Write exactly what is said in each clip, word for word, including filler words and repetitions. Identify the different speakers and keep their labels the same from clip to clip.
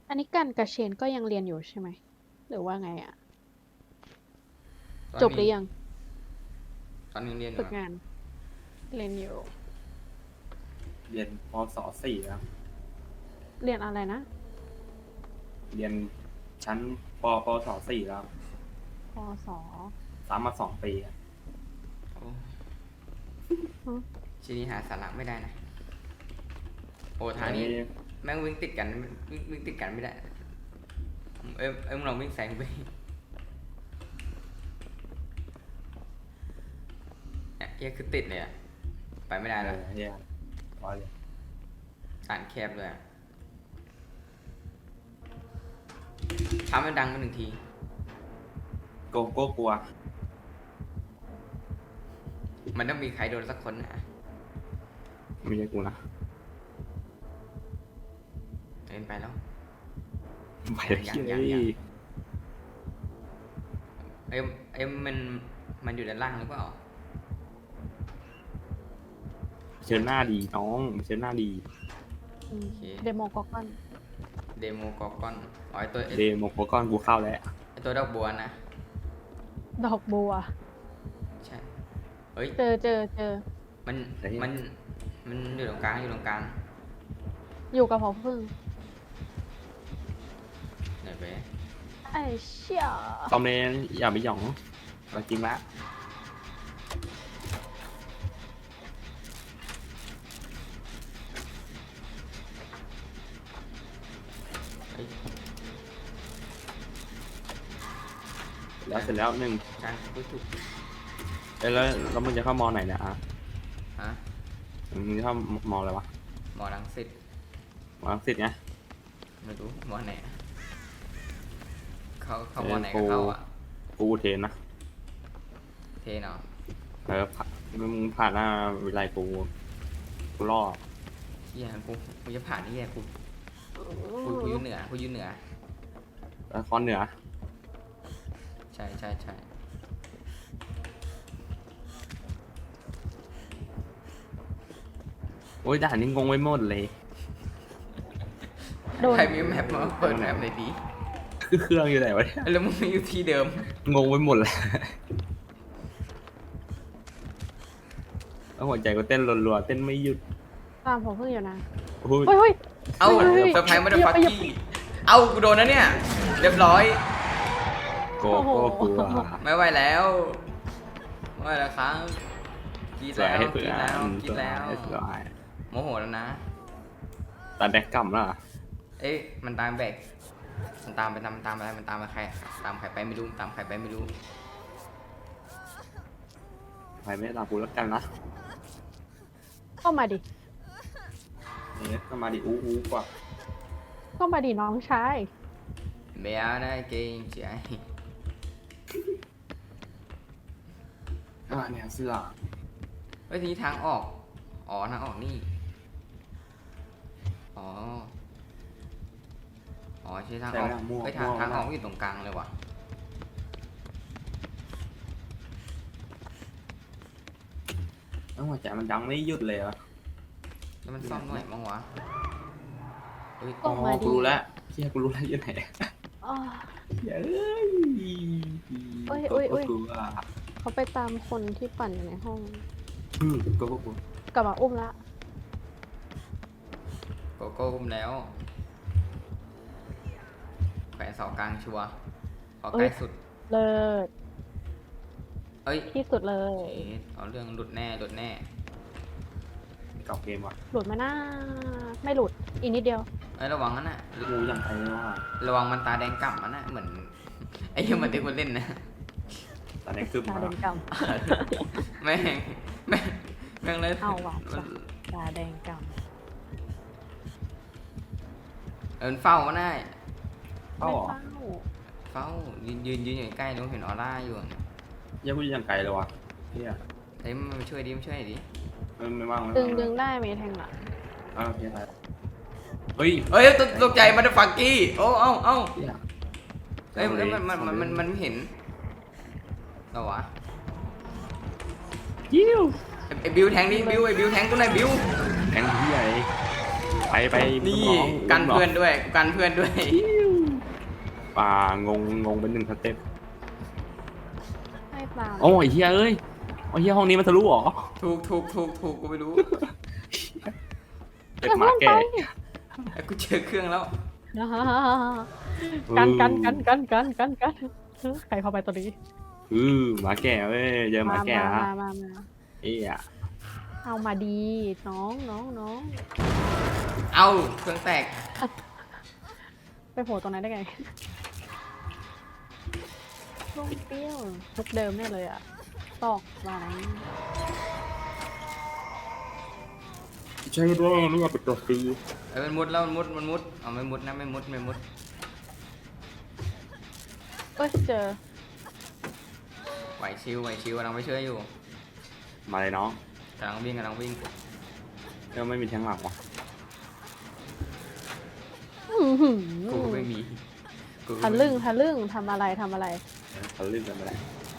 Speaker 1: อันนี้กันกับเชนก็ยังเรียนอยู่ใช่ไหมหรือว่าไงอะ
Speaker 2: ตอน
Speaker 1: จบหรื
Speaker 2: นี้
Speaker 1: อยัง
Speaker 2: ตอนนี้เรียนอยู่ครับ
Speaker 1: ฝึกงานเรียนอยู่
Speaker 3: เรียนปศสี่แล้ว
Speaker 1: เรียนอะไรนะ
Speaker 3: เรียนชั้นปปศสี่แล้ว
Speaker 1: ปศ
Speaker 3: สามมาสองปีอะ
Speaker 2: โอ้
Speaker 1: ฮะ
Speaker 2: ชีนี้หาสาระไม่ได้นะโอ้ทางนี้แม่งวิ่งติดกันวิ่งวิ่งติดกันไม่ได้เอ้ยเอ้ยมึงลองวิ่งแซงไปเนี่ยเฮียคือติดเลยอะไปไม่ได้
Speaker 3: เอ
Speaker 2: แล้ว
Speaker 3: อเฮียร้อยเลย
Speaker 2: อ่านแคบเลยอะทำให้ดังมาหนึ่งที
Speaker 3: โกโก้กลัว
Speaker 2: มันต้องมีใครโดนสักคนนะ
Speaker 3: ไม่ใช่กูนะ
Speaker 2: เดินไปแล้ว
Speaker 3: ไปเลย
Speaker 2: ยัง
Speaker 3: เฮีย
Speaker 2: ยังยัง เอ้ยเอ้ยมันมันอยู่ด้านล่างหรือเปล่า
Speaker 3: เชิญหน้าดีน้องเชิญหน้าดี
Speaker 1: อืม
Speaker 2: โอเค
Speaker 1: เดโมก็กอน
Speaker 2: เดโมกอกอนอ๋อไอตัวไอ้
Speaker 3: เดโมโคก้อนกูเข้าแล้ว
Speaker 2: ไอตัวดอกบัวนะ
Speaker 1: ดอกบัว
Speaker 2: ใช่ เฮ้ย
Speaker 1: เจอเจอเจอ
Speaker 2: มัน มัน มันอยู่ตรงกลาง อยู่ตรงกลาง
Speaker 1: อยู่กับพอพึ่ง
Speaker 2: ไหนไป
Speaker 1: ไอ้เชี่ย
Speaker 3: ตอมเนนอย่าไปหยองเราจริงละ
Speaker 2: เฮ้ย
Speaker 3: แล้วเสร็จแล้วหนึ่ง
Speaker 2: กลางปุ๊บปุ๊บ
Speaker 3: เอ้ยแล้วแล้วมึงจะเข้ามอไหนเนี่ยอ่ะ
Speaker 2: ฮะ
Speaker 3: มึงจะเข้ามออะไรวะ
Speaker 2: หมอรังสิต
Speaker 3: มอลังสิตไง
Speaker 2: ไม่รู้หมอไหนอะเขาเขาหมอไหนก็เข้าอ่ะ
Speaker 3: กูอุเทนนะ
Speaker 2: เทเนาะ
Speaker 3: เออผ่านมึงผ่านหน้าวิไลกูกูรอด
Speaker 2: เฮียกูกูจะผ่านนี่แหละกูกูกูอยู่เหนือกูอยู่เหนือ
Speaker 3: แล้วคอนเหนือ
Speaker 2: ใช่ใช่ใช่
Speaker 3: โอ้ยด่านนี้งงไว้หมดเลย
Speaker 1: โดน
Speaker 2: ใครมีแมปมาเปิดแมปเลยดี
Speaker 3: คือเครื่องอยู่ไหนวะเนี่ย
Speaker 2: แล้วมึงอยู่ที่เดิม
Speaker 3: งงไปหมดเลยแล้วหัวใจก็เต้นรัวๆเต้นไม่หยุด
Speaker 1: ตามพอพึ่งอยู่นะ
Speaker 3: โอ้ย
Speaker 1: เฮ้ยเฮ้ย
Speaker 2: เอ้า
Speaker 1: เฮ้ยเฮ้ย
Speaker 2: เซอร์ไพรส์มาเด
Speaker 1: อย่า
Speaker 2: ฟัก
Speaker 1: ไปอย่า
Speaker 2: กี้เอ้ากูโดนนะเนี่ย เรียบร้อย
Speaker 3: โกโก้กลัว
Speaker 2: ไม่ไหวแล้วไม่ไหวแล้วครับกิน
Speaker 3: สวย
Speaker 2: แล้ว
Speaker 3: ให้
Speaker 2: กิ
Speaker 3: เผื่
Speaker 2: น
Speaker 3: อ
Speaker 2: แล้วกิ
Speaker 3: ส
Speaker 2: น
Speaker 3: วย
Speaker 2: แล้ว
Speaker 3: สวย
Speaker 2: โมโหแล้วนะ
Speaker 3: ตาแดกกำล่ะ
Speaker 2: เอ๊ะมันตามแบกมันตามไปตามมันตามอะไรมันตามไปใครตามใครไปไม่รู้ตามใครไปไม่รู้
Speaker 3: ไปไม่ตามกูแล้วกันนะ
Speaker 1: ก็มาดิ
Speaker 3: เนี่ยก็มาดิอู้อู้กว่า
Speaker 1: ก็มาดิน้องชาย
Speaker 2: แมวนะเก่งใจ
Speaker 3: อ่าเนี่ยเสื้อ
Speaker 2: เฮ้ยทีนี้ทางออกอ๋อทางออกนี่อ๋ออ๋อใช่ทางออกเฮ้ยทางทางออกอยู่ตรงกลางเลยว่ะ
Speaker 3: แล้วหัวใจมันดังไม่หยุดเลยอ่ะ
Speaker 2: แล้วมันซ่อมหน่อยมั้งวะเฮ้ย
Speaker 1: ก็
Speaker 3: อ๋อ
Speaker 1: มาดิ
Speaker 3: กูรู้แล้วเฮียกูรู้แล้วอยู่ไหน
Speaker 1: อ้อ
Speaker 3: เฮ้ย
Speaker 1: เอ้ยเอ้ยเอ้ย
Speaker 3: กูกลัว
Speaker 1: เขาไปตามคนที่ปั่นอยู่ในห้อง
Speaker 3: อืมกูก็กลัว
Speaker 1: กลับมาอุ้มละ
Speaker 2: โกโก้อุ้มแล้วแขวนเสากลางชัวร์เอาใกล้สุด
Speaker 1: เลิศ
Speaker 2: เอ้ย
Speaker 1: ที่สุดเลย
Speaker 2: เอ๊ะเอาเรื่องหลุดแน่หลุดแน่
Speaker 3: เก่าเกมว่ะ
Speaker 1: หลุดไหมนะไม่หลุดอีกนิดเดียว
Speaker 2: เอ้ยระวังนั่นน่ะ
Speaker 3: กูยังไงว่า
Speaker 2: ระวังมันตาแดงก่ำมันน่ะเหมือนไอ้เหี้ยังมันที่คนเล่นนะ
Speaker 3: ตอนนี้คือ
Speaker 1: ตา
Speaker 3: มา
Speaker 1: แดงก
Speaker 2: แม่งแม่งแม่งเลย
Speaker 1: เอาว่ะ ำตาแดงก
Speaker 2: เออเฝ้ามันได้
Speaker 1: ำ
Speaker 3: เป้า
Speaker 1: ไม่
Speaker 3: เหรอ
Speaker 1: เฝ้า
Speaker 2: เฝ้ายืนยืนยืนอยู่ใกล้ๆนู้นเห็นออร่าอยู่
Speaker 3: ยังกูยังไกลเลยวะเฮีย
Speaker 2: เฮ้ยมันมาช่วยดิมาช่วยดิ
Speaker 3: ไม่ไม่ว่างไม่
Speaker 1: ดึ
Speaker 3: ว่าง ง
Speaker 1: ดึงได้ไหมแทงหลัง
Speaker 3: อ้าวโอเคไปเฮ้ย
Speaker 2: เฮ้ยตกตกใจมันฟักกี้โอ้เอ้าเอ้า
Speaker 3: เฮีย
Speaker 2: เฮ้ยมันมันมันมันมันไม่เห็นเหรอวะ
Speaker 3: ยิ้ว
Speaker 2: ไอ้ไอ้บิวแทงดิบิวไอ้บิวแทงกูหน่อยบิว
Speaker 3: แข่งเฮียเลยไปไป
Speaker 2: นี่
Speaker 3: อง
Speaker 2: กันเพื่อนด้วยกันเพื่อนด้วย
Speaker 3: ป่างงงงเป็นหนึ่งสเต็ป
Speaker 1: ให้เปล่า
Speaker 3: โอ้ยเฮียเอ้ยโอ้ยเฮียห้องนี้มันทะลุเหรอ
Speaker 2: ถูกถูกถูกถูกกูไม่รู้
Speaker 3: เป็นหมาแก่
Speaker 2: ไอ้กูเจอเครื่องแล้ว
Speaker 1: กันกันกันกันกันกันกันใครเข้าไปตัวนี้
Speaker 3: อือหมาแก่เว้ยเจอหมาแก่
Speaker 1: มา
Speaker 3: ฮะ
Speaker 1: มามามา
Speaker 3: เอ้ยอะ
Speaker 1: เอามาดีน้องน้องน้อง
Speaker 2: เอาเครื่องแตก
Speaker 1: ไปโผล่ตรงนั้นได้ไงลูกเปรี้ยวทุกเดิมแน่เลยอ่ะตอกมาไหน
Speaker 3: ใช่ด้วยไม่อยากไปตัวฟรี
Speaker 2: เอ้ยมันมุดแล้วมันมุดมันมุดเอาไม่มุดนะไม่มุดไม่มุด
Speaker 1: เอ้ยเจอ
Speaker 2: ไหวชิวไหวชิวกำลังไปช่วยอยู่
Speaker 3: มาเลยน้อง
Speaker 2: กำลังวิ่งกำลังวิ่ง
Speaker 3: เออไม่มีแทงหลังวะ
Speaker 1: อื้อหือ
Speaker 2: กูก็ไม่มีกูก็
Speaker 1: ทะ
Speaker 2: ไม่มี
Speaker 1: ลึ่งทะลึ่งทำอะไรทำอะไร
Speaker 3: เออเขาลื่นกันไปแล้ว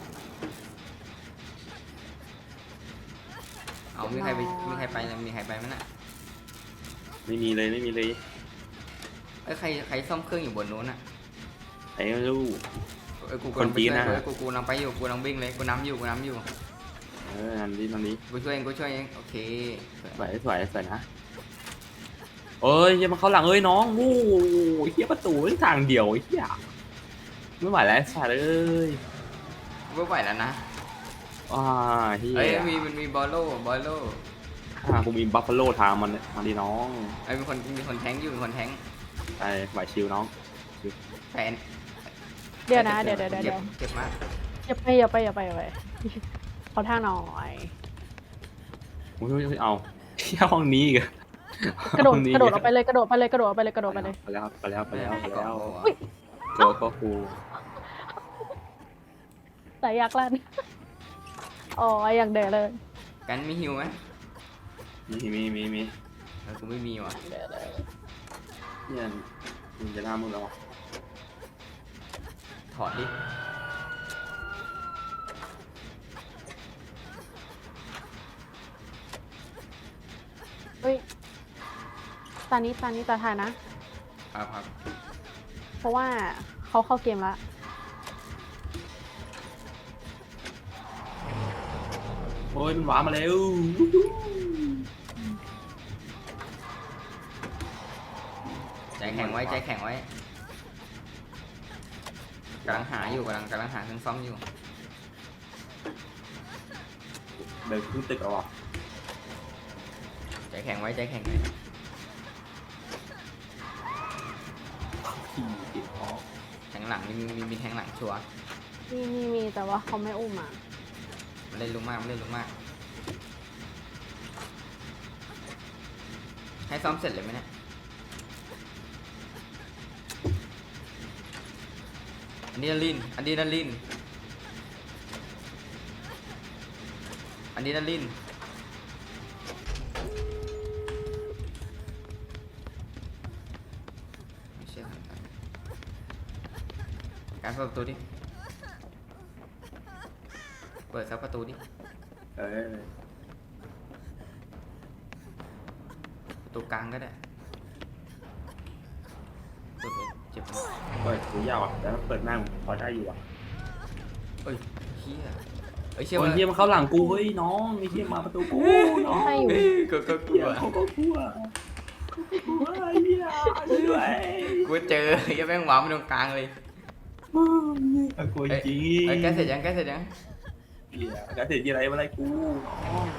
Speaker 2: เอามีใครไปมีใครไปแล้วมีใครไปไหมน่ะ
Speaker 3: ไม่มีเลยไม่มีเลย
Speaker 2: เอ้ยใครใครซ่อมเครื่องอยู่บนนู้นน่ะ
Speaker 3: ไอ้ลูก
Speaker 2: เอ้ยกู
Speaker 3: คนจีนน่ะ
Speaker 2: กำลังไปช่วยเอ้ยกูกูกำลังไปอยู่กูกำลังวิ่งเลยกูน้ำอยู่กูน้ำอยู่
Speaker 3: เอออันนี้อันนี้
Speaker 2: กูช่วยเองกูช่วยเองโอเค
Speaker 3: สวยสวยสวยนะเอ้ยเฮียมาเข้าหลังเอ้ยน้องโอ้ยเฮียประตูทางเดียวไอ้เฮียไม่ไหวแล้วสัตว์เอ้ย
Speaker 2: ไม่ไหวแล้วนะ
Speaker 3: ว้าเฮีย
Speaker 2: เอ้ยมีมันมีบอลโล่บอลโล่
Speaker 3: อ่ากูมีบัฟฟาโลทางมันเนี่ยมาดิน้อง
Speaker 2: ไอ้ยมีคนมีคนแทงค์อยู่มีคนแทงค์
Speaker 3: ไปไหวชิวน้อง
Speaker 2: แฟน
Speaker 1: เดี๋ยวนะเดี๋ยวเดี๋ยวเดี๋ยว
Speaker 2: เจ็
Speaker 1: เดี๋
Speaker 2: บ
Speaker 1: ยว
Speaker 2: เจ็บมาก
Speaker 1: อย่าไปอย่าไปอย่าไปอย่าไปขอท่าหน่อย
Speaker 3: โอ้ยเอาเฮียห้องนี้อีกอะ
Speaker 1: กระโดด
Speaker 3: ห้องนี้
Speaker 1: กระโดดออกไปเลยกระโดดไปเลยกระโดดไปเลยกระโดดไปเลย
Speaker 3: ไปแล้วไปแล้วไปแล้วไปแล้ว
Speaker 2: อุ๊ย
Speaker 3: โจก็ครู
Speaker 1: แต่อยากลั่นอ๋ออย่างเด๋อเลย
Speaker 2: กันมีฮิวไหม
Speaker 3: มีมีมีมี
Speaker 2: เออกูไม่มีว่ะ
Speaker 1: เด๋อเลย
Speaker 3: เนี่ยมันจะหน้ามึงแล้วอะ
Speaker 2: ถอดดิ
Speaker 1: เฮ้ยตอนนี้ตอนนี้ตาทายนะ
Speaker 2: ครับครับ
Speaker 1: เพราะว่าเขาเข้าเกมละ
Speaker 3: โอ้ยมันหวานมาแล้ว
Speaker 2: ใจแข็งไว้ใจแข็งไว้กำลังหาอยู่กำลังกำลังหาเครื่องซ่อมอยู่
Speaker 3: เดินขึ้นตึกแล้วอ่ะ
Speaker 2: ใจแข็งไว้ใจแข็งไว้
Speaker 3: ขี่ติดคอ
Speaker 2: แทงหลังมีมีมีมีแทงหลังชัวร์
Speaker 1: มีมีมีแต่ว่าเขาไม่อุ้มอ่ะ
Speaker 2: มันเล่นลุกมากมันเล่นลุกมากให้ซ่อมเสร็จเลยไหมเนี่ยอะดรีนาลีนอะดรีนาลีนอะดรีนาลีนไม่เชื่อการเปิดประตูดิเปิดซับประตูดิ
Speaker 3: เออ
Speaker 2: ประตูกลางก็ได้เปิดเลยเจ็บไหม
Speaker 3: เปิดหูยาวอ่ะแต่เปิดหน้าพอได้อยู่อ่ะ
Speaker 2: เอ้ยเฮียเอ้ยเชื่อ
Speaker 3: โอ้ย
Speaker 2: ว่า
Speaker 3: เฮียมาเข้าหลังกูเฮ้ยน้องไอ้เฮียมาประตูกูน้อง
Speaker 1: ใช่อยู่
Speaker 2: ก็ก็ก
Speaker 3: เฮี
Speaker 2: ลั
Speaker 3: ยว เขาก็กลัวกลัวไอ้เฮียช่วย
Speaker 2: กูเจอไอ้แม่งหวานไปตรงกลางเลย
Speaker 3: กลัวจริง
Speaker 2: เอ้ยแกเสร็จยังแกเสร็จยัง
Speaker 3: เฮียกระเสร็จยี่ไรมาอะไรกูน้อง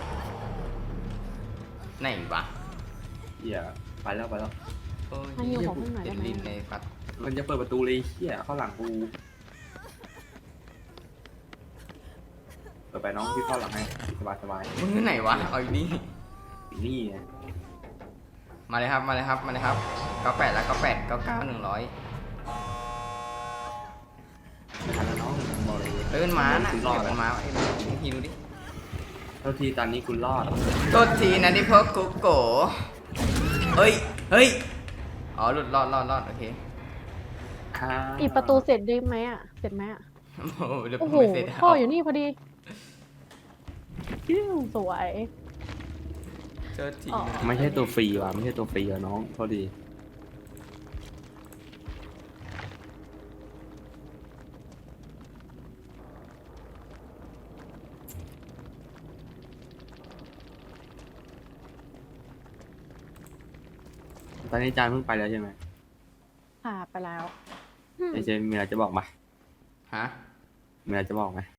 Speaker 2: ไหนวะ
Speaker 3: เฮียไปแล้วไปแล้ว
Speaker 2: โอ้ย
Speaker 1: ให้อยู่ของข้างใน
Speaker 2: เด็ด
Speaker 1: ได้ไหม
Speaker 2: ลิ้นในปัด
Speaker 3: มันจะเปิดประตูเลยเฮียเข้าหลังกูเปิดไปน้องพี่เข้าหลังให้สบายสบาย
Speaker 2: มึงที่ไหนวะเอาอีกนี่
Speaker 3: นี่ไง
Speaker 2: มาเลยครับมาเลยครับมาเลยครับเก้าแปดแล้วเก้าแปดเก้าเก้าหนึ่งร้อย
Speaker 3: ไม่ทันแล้วน้องบอกเลย
Speaker 2: เอ้ยมันมาน่ะ
Speaker 3: คุณร
Speaker 2: เดี๋
Speaker 3: อ
Speaker 2: ยว
Speaker 3: ด
Speaker 2: มันมาไอ้มึงทีดูดิ
Speaker 3: เท่าทีตอนนี้คุณรอด
Speaker 2: โทษทีนะที่พวกกูโกเฮ้ยเฮ้ยอ๋อหลุดรอดรอดรอดโอเค
Speaker 1: ปิดประตูเสร็จได้ไหมอ่ะเสร็จไหมอ่ะ
Speaker 2: โอ้โหเดี๋ยว
Speaker 1: โอ้
Speaker 2: ผม
Speaker 1: โห
Speaker 2: ไม่เสร็จ
Speaker 1: พ่ออยู่นี่พอดีสวย
Speaker 2: เจอที
Speaker 1: อ๋อ
Speaker 3: ไม่ใช่ตัวฟรีว่ะไม่ใช่ตัวฟรีอ่ะน้องโทษดีตอนนี้จานเพิ่งไปแล้วใช่ไหม
Speaker 1: ค่ะไปแล้ว
Speaker 3: ไอเจมีอะไรจะบอกมา
Speaker 2: ฮะ
Speaker 3: มีอะไรจะบอกไหม